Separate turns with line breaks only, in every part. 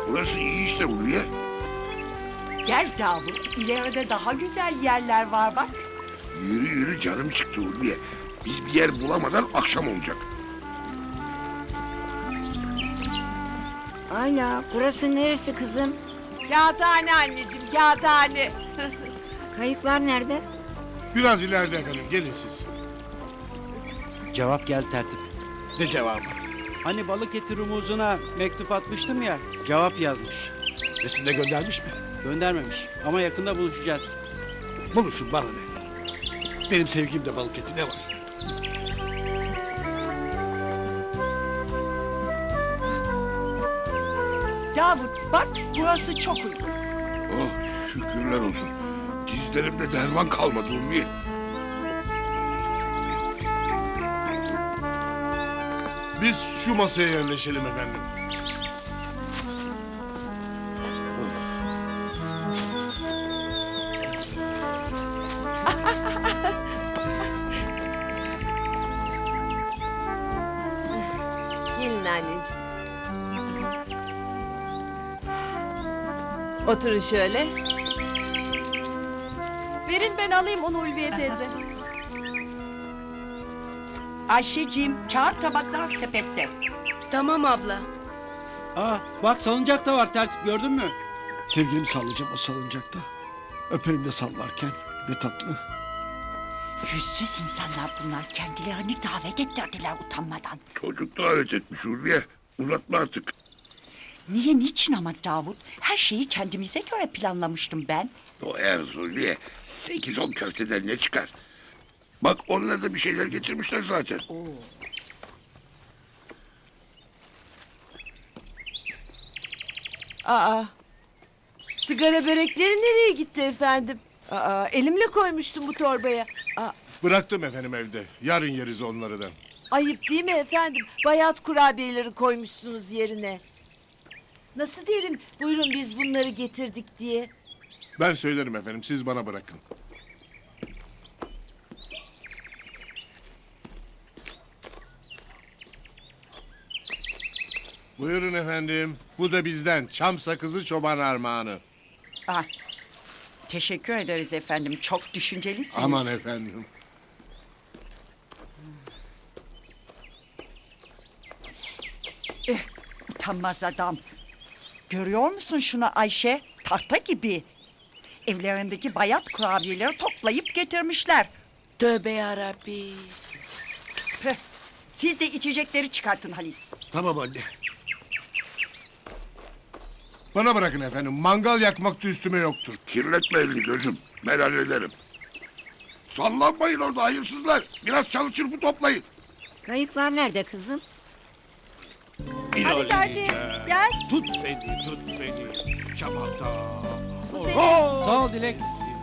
Burası iyi işte Ulviye.
Gel Davut, ileride daha güzel yerler var bak.
Yürü yürü canım çıktı Ulviye. Biz bir yer bulamadan akşam olacak.
Ayla, burası neresi kızım?
Kağıthane anneciğim, kağıthane.
Kayıklar nerede?
Biraz ileride efendim, gelin siz.
Cevap gel tertip.
Ne cevabı?
Hani balık eti rumuzuna mektup atmıştım ya, cevap yazmış.
Resimde göndermiş mi?
Göndermemiş ama yakında buluşacağız.
Buluşun bana ne? Benim sevgimde balık eti ne var?
Davut bak, burası çok uygun.
Oh şükürler olsun. Dizlerimde derman kalmadı Ulviye.
Biz şu masaya yerleşelim efendim.
Gelin anneciğim. Oturun şöyle.
Verin ben alayım onu Ulviye teyze.
Ayşeciğim, kağıt tabaklar sepette.
Tamam abla.
Aa, bak salıncak da var tertip, gördün mü?
Sevgilimi sallayacağım o salıncakta. Öperim de sallarken. Ne tatlı.
Yüzsüz insanlar bunlar, kendilerini davet ettirdiler utanmadan.
Çocuk davet etmiş Ulviye. Uzatma artık.
Niye, niçin ama Davut? Her şeyi kendimize göre planlamıştım ben.
O eğer Ulviye 8-10 köfteden ne çıkar? Bak onlar da bir şeyler getirmişler zaten.
Aa. Sigara börekleri nereye gitti efendim? Aa, elimle koymuştum bu torbaya. Aa,
Bıraktım efendim evde. Yarın yeriz onları da.
ayıp değil mi efendim? Bayat kurabiyeleri koymuşsunuz yerine. Nasıl derim? Buyurun biz bunları getirdik diye.
Ben söylerim efendim, siz bana bırakın. Buyurun efendim. Bu da bizden. Çam sakızı çoban armağanı.
Ah, teşekkür ederiz efendim, çok düşüncelisiniz.
Aman efendim.
Utanmaz adam. Görüyor musun şunu Ayşe? Tahta gibi. Evlerindeki bayat kurabiyeleri toplayıp getirmişler.
Tövbe yarabbi.
Püh. Siz de içecekleri çıkartın Halis.
Tamam anne. Bana bırakın efendim. Mangal yakmakta üstüme yoktur.
Kirletme elini gözüm. Ben hallederim. Sallanmayın orada hayırsızlar. Biraz çalı çırpı toplayın.
Kayıklar nerede kızım?
Hadi tertip gel.
Tut beni, tut beni. Şamata.
Bu senin.
Sağ ol Dilek.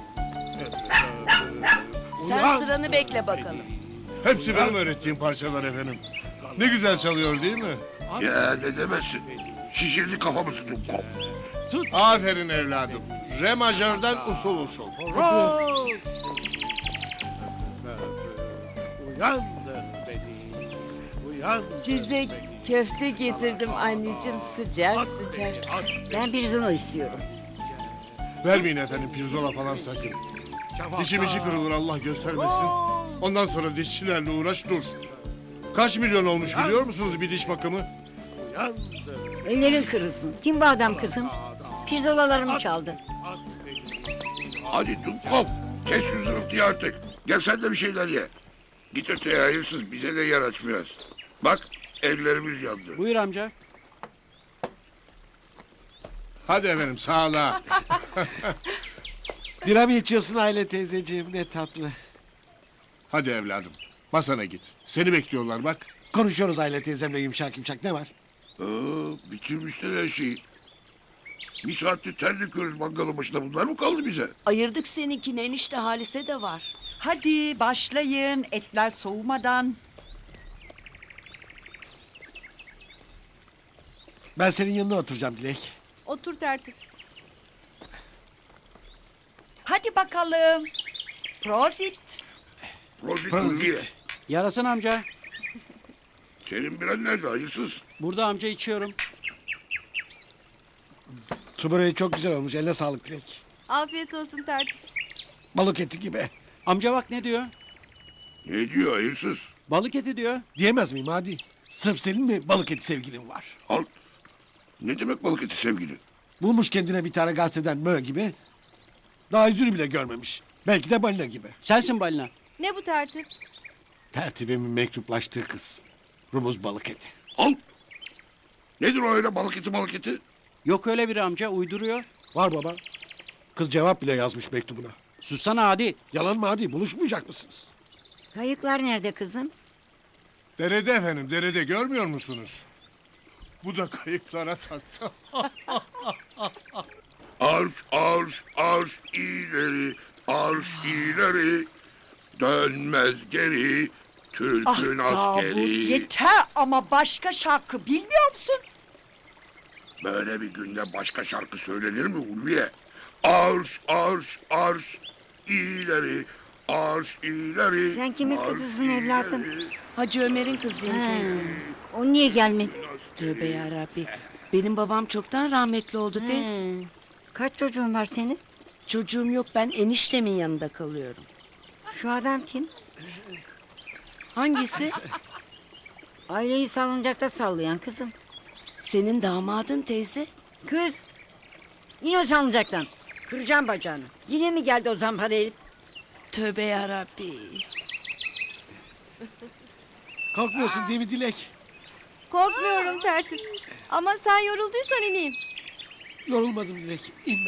Sen sıranı bekle bakalım.
Hepsi benim öğrettiğim parçalar efendim. Ne güzel çalıyor değil mi?
Ya ne demezsin. Şişirdi kafamızı Dumkop.
Aferin evladım. Re majörden usul usul.
Uyandır beni, uyandır.
Size köfte getirdim anneciğim sıcak
At
sıcak.
beni, at beni.
Ben bir zurna istiyorum.
Vermeyin efendim pirzola falan sakın. Dişim işi kırılır Allah göstermesin. Ondan sonra dişçilerle uğraş dur. Kaç milyon olmuş biliyor musunuz bir diş bakımı?
Uyandır,
Ellerin kırılsın. Kim bu adam kızım? Pirzolalarımı çaldı.
at beni.
Hadi Dumkop. Kes şu zırıltıyı artık. Gel sen de bir şeyler ye. Git öteye hayırsız bize de yer açmıyoruz. Bak ellerimiz yandı.
Buyur amca.
Hadi efendim sağlığa.
Bira mı içiyorsun Aile teyzeciğim, ne tatlı.
Hadi evladım masana git. Seni bekliyorlar bak.
Konuşuyoruz Aile teyzemle yumuşak yumuşak, ne var?
Bitirmişler her şeyi. Bir saattir ter döküyoruz mangalın başında. Bunlar mı kaldı bize?
Ayırdık seninkini enişte Halise de var.
Hadi başlayın, etler soğumadan.
Ben senin yanına oturacağım Dilek.
Otur tertip.
Hadi bakalım. Prosit.
Prozit
Prozit.
Ulviye.
Yarasın amca.
Senin biren nerede hayırsız?
Burada amca içiyorum.
Su böreği çok güzel olmuş. Eline sağlık Dilek.
Afiyet olsun tertip.
Balık eti gibi.
Amca bak ne diyor?
Ne diyor hayırsız?
Balık eti diyor.
Diyemez miyim hadi? Sırf senin mi balık eti sevgilin var?
Al. Ne demek balık eti sevgili?
Bulmuş kendine bir tane gazeteden mö gibi. Daha yüzünü bile görmemiş. Belki de balina gibi.
Sensin balina.
Ne bu tertip?
Tertibimin mektuplaştığı kız. Rumuz balık eti.
Al. Nedir o öyle balık eti?
Yok öyle biri amca uyduruyor.
Var baba. Kız cevap bile yazmış mektubuna.
Sussana hadi.
Yalan mı hadi? Buluşmayacak mısınız?
Kayıklar nerede kızım?
Derede efendim, derede görmüyor musunuz? Bu da kayıklara taktı.
Arş ileri, arş ileri. Dönmez geri,
Ah
Türk'ün
Davut
askeri.
yeter ama başka şarkı bilmiyor musun?
Böyle bir günde başka şarkı söylenir mi Ulviye? Arş ileri, arş ileri.
Sen kimin
arş
kızısın evladım?
ileri.
Hacı Ömer'in kızıyım
Ha,
teyze.
o niye gelmedi?
Tövbe yarabbi. Benim babam çoktan rahmetli oldu teyze.
He. Kaç çocuğun var senin?
Çocuğum yok, ben eniştemin yanında kalıyorum.
Şu adam kim?
Hangisi?
Aileyi salıncakta sallayan kızım.
Senin damadın teyze.
Kız! İn o salıncaktan. Kıracağım bacağını. Yine mi geldi o zampara herif?
Tövbe yarabbi.
Kalkmıyorsun değil mi Dilek?
Korkmuyorum tertip. Ama sen yorulduysan ineyim.
Yorulmadım Dilek. İnme.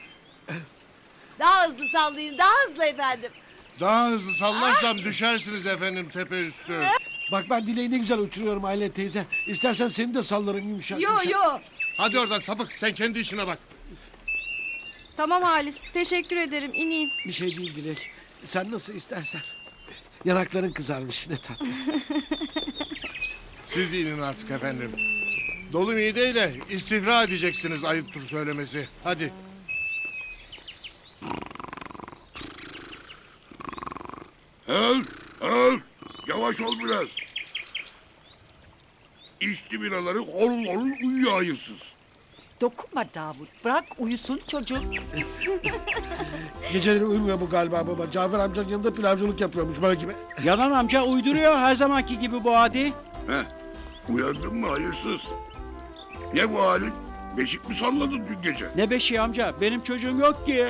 Daha hızlı sallayın, daha hızlı efendim.
Daha hızlı sallarsam düşersiniz efendim tepe üstü.
Bak ben Dilek'i ne güzel uçuruyorum Aile teyze. İstersen seni de sallarım yumuşak yumuşak.
Hadi oradan sapık, sen kendi işine bak.
Tamam Halis. Teşekkür ederim. İneyim.
Bir şey değil Dilek. Sen nasıl istersen. Yanakların kızarmış ne tatlı.
Siz de inin artık efendim. Dolu mideyle istifra edeceksiniz ayıptır söylemesi. Hadi.
Öl. Yavaş ol biraz. İçti biraları horul horul uyuyor hayırsız.
Dokunma Davut. Bırak uyusun çocuk.
Geceleri uyumuyor bu galiba baba. Cafer amcanın yanında pilavcılık yapıyormuş böyle gibi.
Yalan amca uyduruyor her zamanki gibi bu hadi.
Heh. Uyandın mı hayırsız? Ne bu halin? Beşik mi salladın dün gece?
Ne beşiği amca benim çocuğum yok ki.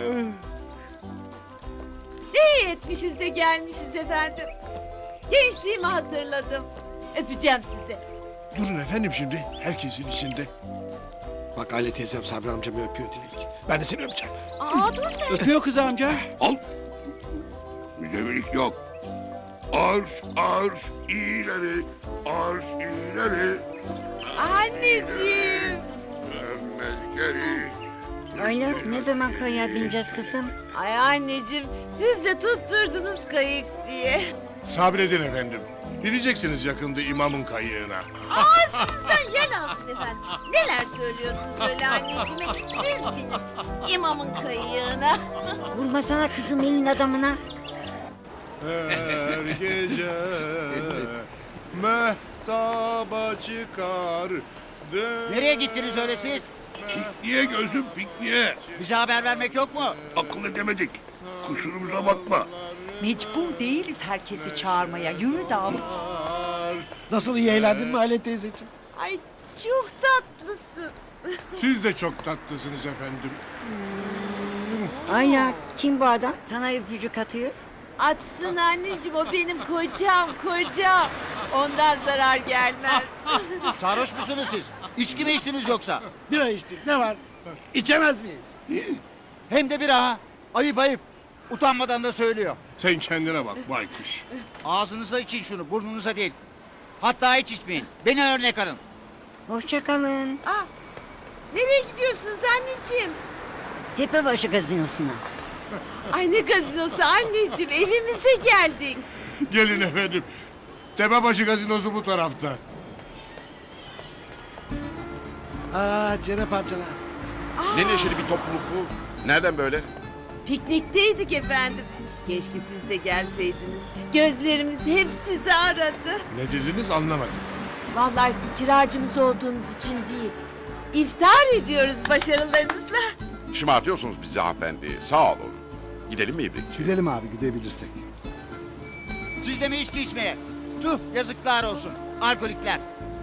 İyi etmişiz de gelmişiz efendim. Gençliğimi hatırladım. Öpeceğim sizi.
Durun efendim şimdi, herkesin içinde.
Bak Aile teyzem Sabri amcamı öpüyor Dilek. Ben de seni öpeceğim.
Aa dur tertip.
Öpüyor kız amca.
Al. Müzevilik yok. Arş ileri, arş ileri.
Anneciğim.
Dönmez geri.
Ayla ne zaman kayığa bineceğiz kızım?
Ay anneciğim, siz de tutturdunuz kayık diye.
Sabredin efendim. Bineceksiniz yakında imamın kayığına.
Sizden yer alsın efendim. Neler söylüyorsunuz öyle anneciğime? Siz binin imamın kayığına.
Vurmasana kızım elin adamına.
Her gece mehtaba çıkar.
Nereye gittiniz öyle siz?
Pikniğe gözüm pikniğe.
Bize haber vermek yok mu?
Akıl edemedik. Kusurumuza bakma.
Mecbur değiliz herkesi çağırmaya. Yürü Davut.
Nasıl iyi eğlendin mi Aile teyzeciğim?
Ay çok tatlısın.
Siz de çok tatlısınız efendim.
Ayla kim bu adam? Sana öpücük atıyor.
Atsın anneciğim, o benim kocam. Ondan zarar gelmez.
Sarhoş musunuz siz? İçki mi içtiniz yoksa?
Bira içtik ne var? İçemez miyiz?
Hem de bir ha. Ayıp. Utanmadan da söylüyor.
Sen kendine bak baykuş.
Ağzınızla için şunu, burnunuza değil. Hatta hiç içmeyin. Beni örnek alın.
Hoşça kalın.
Nereye gidiyorsunuz anneciğim?
Tepebaşı gazinosuna.
Ay ne gazinosu anneciğim, evimize geldik.
Gelin efendim. Tepebaşı gazinosu bu tarafta.
Cenap amcalar.
Ne neşeli bir topluluk bu. Nereden böyle?
Piknikteydik efendim. Keşke siz de gelseydiniz. Gözlerimiz hep sizi aradı.
Ne dediniz anlamadım.
Vallahi kiracımız olduğunuz için değil. İftar ediyoruz başarılarınızla.
Şımartıyorsunuz bizi hanımefendi. Sağ olun. Gidelim mi İbrik?
Gidelim abi gidebilirsek.
Siz de mi içki içmeye? Tüh yazıklar olsun. Alkolikler.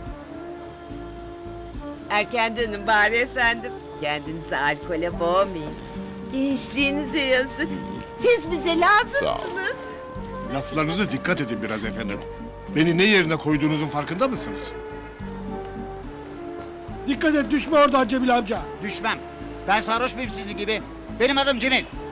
Erken dönün bari efendim. Kendinizi alkole boğmayın. Gençliğinize yazık. Siz bize lazımsınız.
Laflarınıza dikkat edin biraz efendim. Beni ne yerine koyduğunuzun farkında mısınız?
Dikkat et düşme oradan Cemil amca.
Düşmem. Ben sarhoş muyum sizin gibi? Benim adım Cemil.